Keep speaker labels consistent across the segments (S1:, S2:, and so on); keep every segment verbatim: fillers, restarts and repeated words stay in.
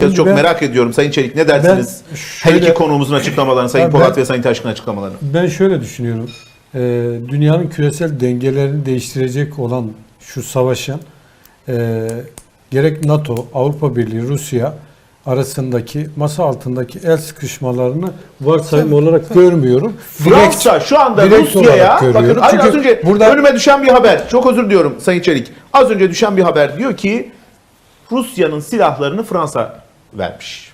S1: Çok
S2: ben,
S1: merak ediyorum Sayın Çelik, ne dersiniz?
S2: şöyle,
S1: Her iki konuğumuzun açıklamalarını, Sayın
S2: ben,
S1: Polat ve Sayın Taşkın açıklamalarını.
S2: Ben şöyle düşünüyorum. Ee, dünyanın küresel dengelerini değiştirecek olan şu savaşın e, gerek NATO, Avrupa Birliği, Rusya arasındaki masa altındaki el sıkışmalarını varsayım olarak görmüyorum.
S1: Fransa şu anda Rusya'ya, bakın hayır, az önce burada önüme düşen bir haber, çok özür diliyorum Sayın Çelik, az önce düşen bir haber diyor ki Rusya'nın silahlarını Fransa vermiş.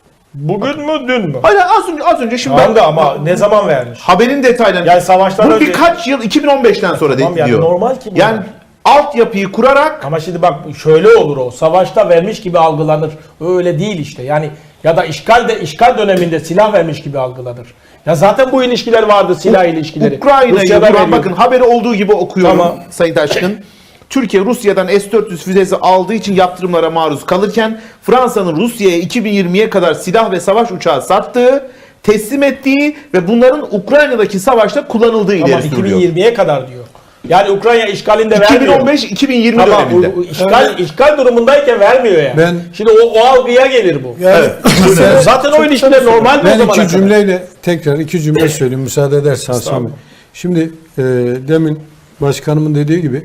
S3: Bugün mü dün mü?
S1: Hayır, az önce az önce şimdi
S3: Tamam
S1: ben,
S3: da ama ne zaman vermiş?
S1: haberin detaylarını.
S3: Yani savaştan
S1: bu
S3: önce.
S1: birkaç yıl, iki bin on beşten sonra
S3: Tamam,
S1: de,
S3: yani
S1: diyor.
S3: normal ki bu.
S1: Yani altyapıyı kurarak.
S3: Ama şimdi bak şöyle olur o. Savaşta vermiş gibi algılanır. Öyle değil işte. Yani ya da işgal de işgal döneminde silah vermiş gibi algılanır. Ya zaten bu ilişkiler vardı, silah ilişkileri.
S1: Ukrayna'yı
S3: Rusya'da
S1: vuran,
S3: veriyor.
S1: bakın haberi olduğu gibi okuyorum
S3: Tamam.
S1: Sayın Taşkın. Türkiye Rusya'dan S dört yüz füzesi aldığı için yaptırımlara maruz kalırken Fransa'nın Rusya'ya iki bin yirmiye kadar silah ve savaş uçağı sattığı, teslim ettiği ve bunların Ukrayna'daki savaşta kullanıldığı
S3: Ama
S1: ileri
S3: iki bin
S1: sürülüyor.
S3: yirmiye kadar diyor. Yani Ukrayna işgalinde
S1: iki bin
S3: vermiyor.
S1: on beş iki bin yirmi
S3: Tamam,
S1: döneminde.
S3: bu- bu işgal, işgal durumundayken vermiyor yani.
S2: Ben-
S3: Şimdi o, o algıya gelir bu.
S2: Yani,
S3: Evet. Zaten o ilişkiler normal mi o
S2: ben
S3: zamana
S2: iki
S3: kadar?
S2: cümleyle tekrar iki cümle söyleyeyim müsaade edersen Hasan Bey. Şimdi e, demin başkanımın dediği gibi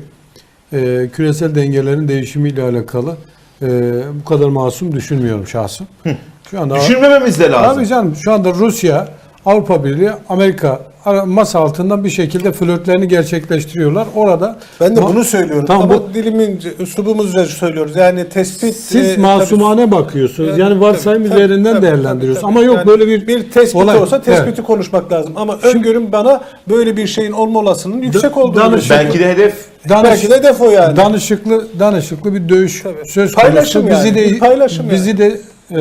S2: e, küresel dengelerin değişimiyle alakalı e, bu kadar masum düşünmüyorum şahsım. Şu anda
S1: Düşünmememiz de lazım.
S2: Tabii canım, şu anda Rusya, Avrupa Birliği, Amerika ara- masa altından bir şekilde flörtlerini gerçekleştiriyorlar. Orada
S4: Ben de
S2: ma-
S4: bunu söylüyorum.
S2: Tamam,
S4: Ama
S2: bu-
S4: dilimin, üslubumuzla söylüyoruz. Yani tespit...
S2: siz
S4: e,
S2: masumane bakıyorsunuz.
S4: tabii-
S2: Yani varsayım
S4: tabii,
S2: üzerinden
S4: tabii,
S2: değerlendiriyorsunuz.
S4: tabii,
S2: Ama yok
S4: yani
S2: böyle bir
S4: bir tespit
S2: olay.
S4: olsa tespiti
S2: Evet.
S4: konuşmak lazım. Ama öngörüm bana böyle bir şeyin olma olasılığının yüksek olduğunu
S2: danış-
S4: gösteriyor.
S1: Belki de hedef
S2: Danış-
S4: Belki de defo yani.
S2: Danışıklı, danışıklı bir dövüş
S4: Tabii.
S2: söz
S4: Paylaşım
S2: konusu. Bizi
S4: yani,
S2: de
S4: bir paylaşım
S2: bizi de e,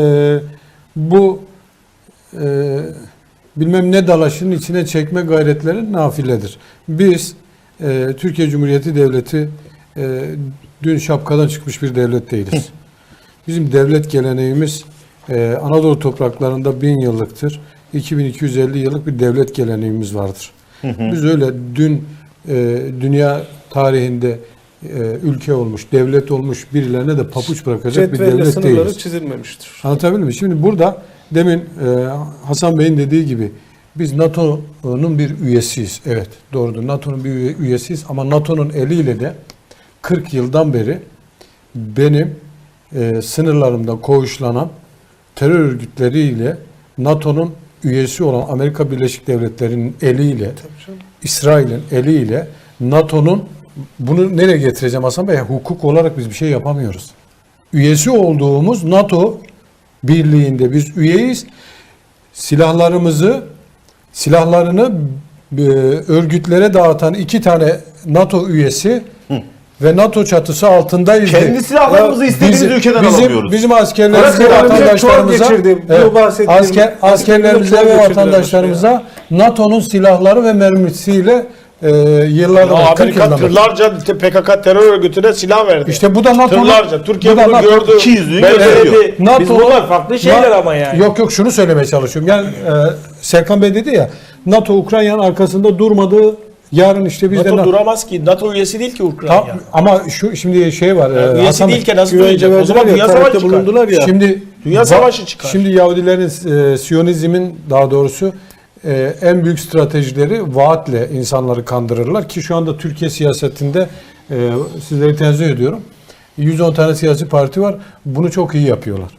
S2: bu e, bilmem ne dalaşının içine çekme gayretleri nafiledir. Biz e, Türkiye Cumhuriyeti Devleti e, dün şapkadan çıkmış bir devlet değiliz. Bizim devlet geleneğimiz e, Anadolu topraklarında bin yıllıktır. iki bin iki yüz elli yıllık bir devlet geleneğimiz vardır. Biz öyle dün e, dünya tarihinde e, ülke olmuş, devlet olmuş birilerine de papuç bırakacak bir
S4: Cetvelle
S2: devlet
S4: sınırları
S2: değiliz.
S4: çizilmemiştir.
S2: Anlatabildim mi? Şimdi burada demin e, Hasan Bey'in dediği gibi biz NATO'nun bir üyesiyiz. Evet, doğrudur. NATO'nun bir üye- üyesiyiz ama NATO'nun eliyle de kırk yıldan beri benim e, sınırlarımda koğuşlanan terör örgütleriyle NATO'nun üyesi olan Amerika Birleşik Devletleri'nin eliyle, İsrail'in eliyle NATO'nun, bunu nereye getireceğim Hasan Bey? Hukuk olarak biz bir şey yapamıyoruz. Üyesi olduğumuz NATO birliğinde biz üyeyiz. Silahlarımızı, silahlarını e, örgütlere dağıtan iki tane NATO üyesi ve NATO çatısı altındayız.
S1: kendi silahlarımızı istediğimiz
S2: Bizim-
S1: ülkeden
S2: bizim,
S1: alamıyoruz.
S2: Bizim askerlerimize ve
S4: Askerlerimize
S2: vatandaşlarımıza
S4: çok geçirdi. Bu
S2: evet,
S4: bahsettiğim
S2: asker, askerlerimize
S4: çok
S2: ve
S4: geçirdiler
S2: vatandaşlarımıza NATO'nun silahları ve mermisiyle e, yıllardır
S3: Ya
S2: kırk
S3: Amerika
S2: yıldan beri.
S3: tırlarca P K K terör örgütüne silah verdi.
S2: İşte bu da NATO'nun
S3: Tırlarca. Türkiye
S2: bu da
S3: bunu
S2: NATO
S3: gördü.
S1: ikiyüzlülüğü
S3: Belgeledi.
S1: gösteriyor.
S3: Biz
S2: NATO
S3: bunlar farklı şeyler
S2: Na-
S3: ama yani.
S2: Yok yok, şunu söylemeye çalışıyorum. Yani e, Serkan Bey dedi ya, NATO Ukrayna'nın arkasında durmadığı, yarın işte biz de
S3: NATO
S2: Na-
S3: duramaz ki. NATO üyesi değil ki Ukrayna.
S2: Tam- ama şu şimdi şey var. e,
S3: üyesi
S2: Hasan Bey,
S3: değilken nasıl
S4: güvence
S3: duyacak? O zaman
S4: verdiler ya,
S3: dünya savaşı
S4: talepte
S3: çıkar.
S4: bulundular ya.
S2: Şimdi
S3: Dünya
S2: ba-
S3: savaşı çıkar.
S2: Şimdi Yahudilerin, e, Siyonizmin daha doğrusu e, en büyük stratejileri vaatle insanları kandırırlar ki şu anda Türkiye siyasetinde e, sizleri tenzih ediyorum. yüz on tane siyasi parti var. Bunu çok iyi yapıyorlar.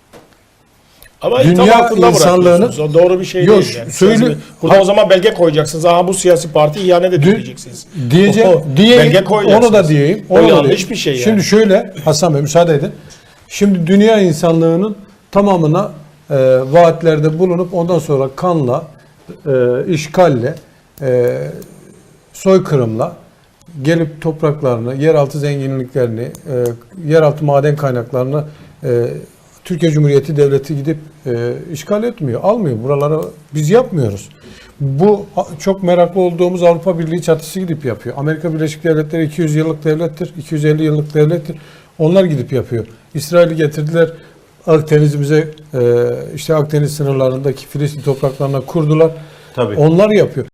S3: Ama
S2: Dünya
S3: tam altında
S2: insanlığını-
S3: bırakıyorsunuz. O doğru bir şey
S2: Yok,
S3: değil yani.
S2: söyle-
S3: Siyasi- Burada
S2: Ha-
S3: o zaman belge koyacaksınız. Aha bu siyasi parti ihanet ediyor diyeceksiniz.
S2: Diyeceğim,
S3: O-
S2: diyeyim,
S3: belge koyacaksınız.
S2: onu da diyeyim.
S3: O
S2: onu da
S3: yanlış
S2: diyeyim.
S3: bir şey yani.
S2: Şimdi şöyle Hasan Bey müsaade edin. Şimdi dünya insanlığının tamamına e, vaatlerde bulunup ondan sonra kanla, e, işgalle, e, soykırımla gelip topraklarını, yeraltı zenginliklerini, e, yeraltı maden kaynaklarını e, Türkiye Cumhuriyeti Devleti gidip e, işgal etmiyor, almıyor. Buraları biz yapmıyoruz. Bu a- çok meraklı olduğumuz Avrupa Birliği çatısı gidip yapıyor. Amerika Birleşik Devletleri iki yüz yıllık devlettir, iki yüz elli yıllık devlettir. Onlar gidip yapıyor. İsrail'i getirdiler, Akdeniz'imize, e, işte Akdeniz sınırlarındaki Filistin topraklarına kurdular.
S1: Tabii.
S2: Onlar yapıyor.